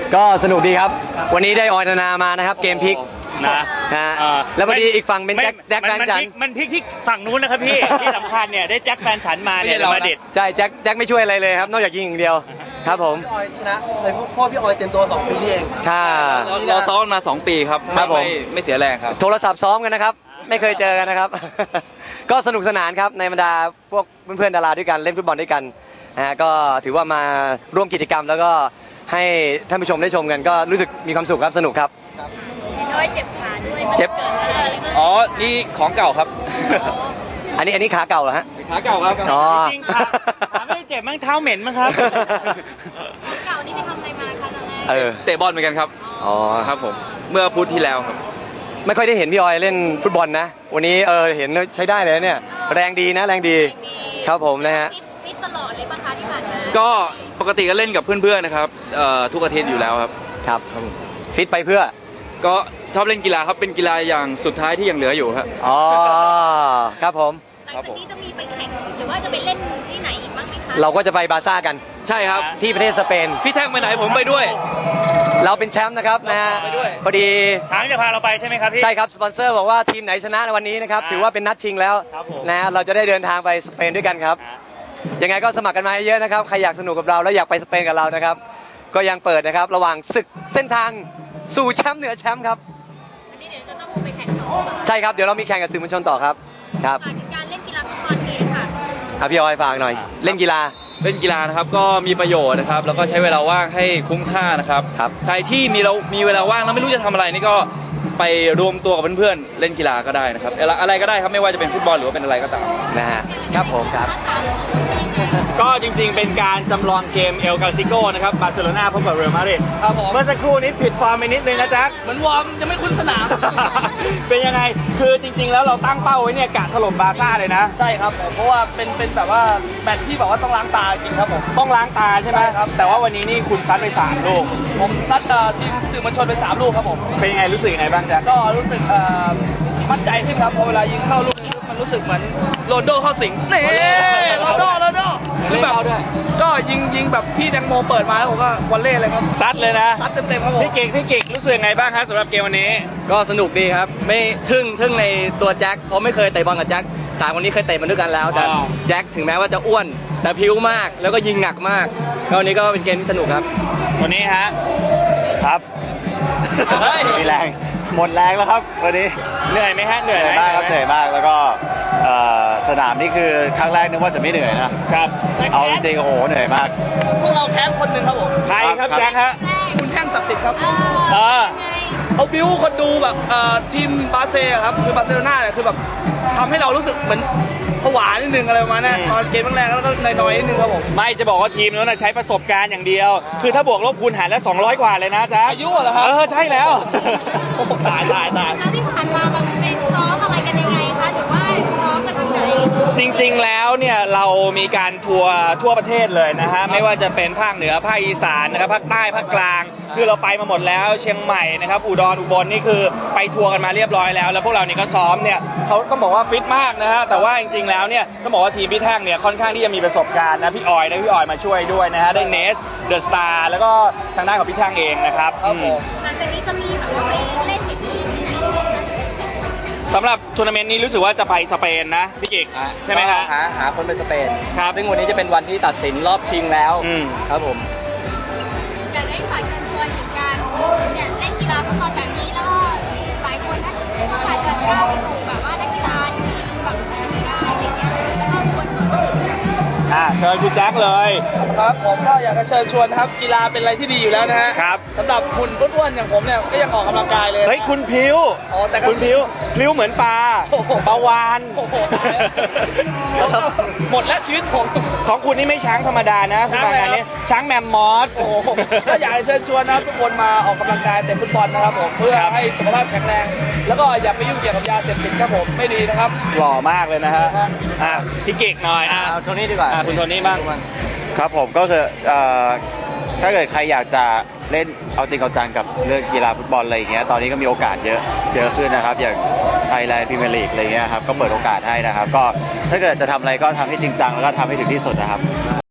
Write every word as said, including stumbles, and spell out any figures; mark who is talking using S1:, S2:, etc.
S1: ก็สนุกดีครับวันนี้ได้ออยนานามานะครับเกมพลิก
S2: นะ
S1: ฮะแล้วพอดีอีกฝั่งเป็นแจ็คแจ็คแฟนฉัน
S2: มันพลิกที่ฝั่งนู้นนะครับพี่ที่สำคัญเนี่ยได้แจ็คแฟนฉันมาเนี่ยมาเด็ด
S1: ใช่แจ็คแจ็คไม่ช่วยอะไรเลยครับนอกจากยิงอย่างเดียวครับผม
S3: พี่ออยชนะเลยเพราะพี่ออยเต็มตัวสองปีนี่เอง
S1: ค่ะ
S4: เราซ้อมมาสองปีครับ
S1: ครับผม
S4: ไม่เสียแรงครับ
S1: โทรศัพท์ซ้อมกันนะครับไม่เคยเจอกันนะครับก็สนุกสนานครับในบรรดาพวกเพื่อนๆดาราด้วยกันเล่นฟุตบอลด้วยกันนะก็ถือว่ามาร่วมกิจกรรมแล้วก็ให้ท่านผู้ชมได้ชมกันก็รู้สึกมีความสุขครับสนุกครับ
S5: น้อยเจ็บขาด้วย
S1: เจ็บ
S4: อ๋อนี่ของเก่าครับ
S1: อันนี้อันนี้ขาเก่าเหรอฮะ
S4: ขาเก่าครับ
S1: อ๋อ
S2: จริงขาขาไม่ได้เจ็บมั้งเท้าเหม็นมั้งครับ
S5: เก่านี่ไปทำอะไรมาคะตอนแรก
S1: เออ
S4: เตะบอลเหมือนกันครับ
S1: อ๋อ
S4: ครับผมเมื่อพุธที่แล้วครับ
S1: ไม่ค่อยได้เห็นพี่ออยเล่นฟุตบอลนะวันนี้เออเห็นใช้ได้เลยเนี่ยแรงดีนะแรงดีครับผมนะฮะ
S5: ฟิตตลอดเลยป่ะคะที่ผ่านมา
S4: ก็ปกติก็เล่นกับเพื่อนๆนะครับทุกอาทิตย์อยู่แล้วครับ
S1: ครับฟิตไปเพื่อ
S4: ก็ชอบเล่นกีฬาครับเป็นกีฬาอย่างสุดท้ายที่ยังเหลืออยู่ครับ
S1: อ๋อครับผม
S5: หลังจากนี้จะมีไปแข่งหรือว่าจะไปเล่นที่ไหนอีกบ้างไหมคะ
S1: เราก็จะไปบาซ่ากัน
S4: ใช่ครับ
S1: ที่ประเทศสเปน
S4: พี่แท่งไปไหนผมไปด้วย
S1: เราเป็นแชมป์นะครับนะฮะพอดี
S2: ช้างจะพาเราไปใช่ไหมครับพี่
S1: ใช่ครับสปอนเซอร์บอกว่าทีมไหนชนะในวันนี้นะครับถือว่าเป็นนัดชิงแล้วนะเราจะได้เดินทางไปสเปนด้วยกันครับยังไงก็สมัครกันมาเยอะนะครับใครอยากสนุกกับเราแล้วอยากไปสเปนกับเรานะครับก็ยังเปิดนะครับระหว่างศึกเส้นทางสู่แชมป์เหนือแชมป์ครับ
S5: วันนี้เดี๋ยวจะต้องไปแข่งต่อ
S1: ใช่ครับเดี๋ยวเรามีแข่งกับสื่อมวลชนต่อครับครับ
S5: การเล่นกีฬาฟุตบอลนี้ค่ะ
S1: ครับพี่ออยฝากหน่อยเล่นกีฬา
S4: เล่นกีฬานะครับก็มีประโยชน์นะครับแล้วก็ใช้เวลาว่างให้คุ้มค่านะครับ
S1: ครับ
S4: ใครที่มีเรามีเวลาว่างแล้วไม่รู้จะทำอะไรนี่ก็ไปรวมตัวกับเพื่อนๆเล่นกีฬาก็ได้นะครับอะไรก็ได้ครับไม่ว่าจะเป็นฟุตบอลหรือว่าเป็นอะไรก็ตาม
S1: นะฮะครับผมครับ
S2: ก็จริงๆเป็นการจำลองเกมเอลกาซิโกนะครับบาร์เซโลนาพบกับเรอัลมาดริด
S3: ครับผม
S2: เมื่อสักครู่นี้ผิดฟอร์มไปนิดนึงนะจ๊ะ
S3: เหมือนวอร์มยังไม่คุ้นสนาม
S2: เป็นยังไงคือจริงๆแล้วเราตั้งเป้าไว้เนี่ยกะถล่มบาร์ซ่าเลยนะ
S3: ใช่ครับผมเพราะว่าเป็นเป็นแบบว่าแมตช์ที่แบบว่าต้องล้างตาจริงครับผม
S2: ต้องล้างตาใช่ไหม
S3: ครับ
S2: แต่ว่าวันนี้นี่คุณซัดไปสามลูก
S3: ผมซัดทีมสื่อมวลชนไปสามลูกครับผม
S2: เป็นยังไงรู้สึกยังไงบ้างจ๊ะ
S3: ก็รู้สึกมั่นใจขึ้นครับพอเวลายิงเข้าลูกนี้มันรู้สึกเหมือนโรนลโดเข้าสิงนี่โรนลโดโรนลโดคือแบบก็ยิงยิงแบบพี่แตงโมเปิดมาแล้วผมก็วอลเล่เลยครับ
S2: ซัดเลยนะ
S3: ซัดเต็มๆครับผม
S2: พี่เก่งพี่เก่งรู้สึกไงบ้างครับสำหรับเกมวันนี้
S1: ก็สนุกดีครับไม่ทึ่งทึ่งในตัวแจ็คเพราะไม่เคยเตะบอลกับแจ็คสามคนนี้เคยเตะมาด้วยกันแล้วแต่แจ็คถึงแม้ว่าจะอ้วนแต่พิ้วมากแล้วก็ยิงหนักมากก็วันนี้ก็เป็นเกมที่สนุกครับ
S2: วันนี้ฮะ
S6: ครับมีแรงหมดแรงแล้วครับวันนี้
S2: เหนื่อยไหมฮะเหนื่อย
S6: มากครับเหนื่อยมากแล้วก็สนามนี่คือครั้งแรกนึกว่าจะไม่เหนื่อยนะครับเอาจริงๆโอ้โหเหนื่อยมาก
S3: พวกเราแพ้คนหนึ่งครับผม
S2: ใครครับแจ็คฮะ
S3: คุณแท่งศักดิ์สิทธิ์ครับ
S2: เออ
S3: เขาบิ้วคนดูแบบทีมบาเซ่ครับคือบาร์เซโลนาเนี่ยคือแบบทำให้เรารู้สึกเหมือนผวานิดนึงอะไรประมาณนั้นตอนเกมแรกๆแล้วก็น้อยๆนิดนึงครับผม
S2: ไม่จะบอกว่าทีมนั้นใช้ประสบการณ์อย่างเดียวคือถ้าบวกลบคูณหารแล้วสองร้อยกว่าเลยนะจ๊ะ
S3: อายุเหรอครับ
S2: เออใช่แล้ว
S3: ตายตายตาย
S5: แล้วที่ผ่านมาแบบเป็นซ้อมอะไรกันยังไงคะหรือว่าซ้อมกันทางไหน
S2: จริงๆแล้วเนี่ยเรามีการทัวร์ทั่วประเทศเลยนะฮะไม่ว่าจะเป็นภาคเหนือภาคอีสานนะครับภาคใต้ภาคกลางคือเราไปมาหมดแล้วเชียงใหม่นะครับอุดรอุบลนี่คือไปทัวร์กันมาเรียบร้อยแล้วแล้วพวกเรานี่ก็ซ้อมเนี่ยเขาก็บอกว่าฟิตมากนะฮะแต่ว่าจริงๆแล้วเนี่ยต้องบอกว่าทีมพี่แท่งเนี่ยค่อนข้างที่จะมีประสบการณ์นะพี่ออยได้พี่ออยมาช่วยด้วยนะฮะได้เนสเดอะสตาร์แล้วก็ทางด้านของพี่แท่งเองนะครับ
S5: หลังจากนี้จะมีแบบว่าไปเล่นอย่างนี้ที่ไหน
S2: สำหรับทัวร์นาเมนต์นี้รู้สึกว่าจะไปสเปนนะพี่กิกใช่ไหมครับ
S1: หาหาคนไปสเปน
S2: ครับ
S1: ซึ่งวันนี้จะเป็นวันที่ตัดสินรอบชิงแล้วครับผม
S5: อยากให้ฝากเชิญชวนถึงการเนี่ยเล่นกีฬาฟุตบอลแบบนี้แล้วก็หลายคนน่าจะอาจจะก้าวไปสู่แบบว่านักกีฬาที่แบบนี้ได้อะไรเงี้ยแล้วก็ควร
S2: อ่าเชิญคุณแจ็คเลย
S3: ครับผมก็อยากจะเชิญชวนนะครับกีฬาเป็นอะไรที่ดีอยู่แล้วนะฮะ
S2: ครับ
S3: สำหรับหุ่นอ้วนๆอย่างผมเนี่ยก็ยังออกกำลังกายเลย
S2: เฮ้ยคุณพิ้ว
S3: อ๋อแต่
S2: คุณพิ้วพิ้วเหมือนปลาปลาวาน
S3: หมดแล้วชีวิตผม
S2: ของคุณนี่ไม่ช้างธรรมดานะคุณงานนี้ช้างแมมมอส
S3: ก็อยากให้เชิญชวนนะครับทุกคนมาออกกำลังกายเตะฟุตบอลนะครับผมเพื่อให้สุขภาพแข็งแรงแล้วก็อย่าไปยุ่งเกี่ยวกับยาเสพติดครับผมไม่ดีนะครับ
S2: หล่อมากเลยนะฮะอ่ะพี่เก่งหน่อยอ่ะ
S1: เอาโทนี่ดีกว่า
S2: คุณโทนี่บ้าง
S6: ครับผมก็คือถ้าเกิดใครอยากจะเล่นเอาจริงเอาจังกับเรื่องกีฬาฟุตบอลอะไรอย่างเงี้ยตอนนี้ก็มีโอกาสเยอะเยอะขึ้นนะครับอย่างไทยแลนด์พรีเมียร์ลีกอะไรเงี้ยครับก็เปิดโอกาสให้นะครับก็ถ้าเกิดจะทำอะไรก็ทำให้จริงจังแล้วก็ทำให้ถึงที่สุดนะครับ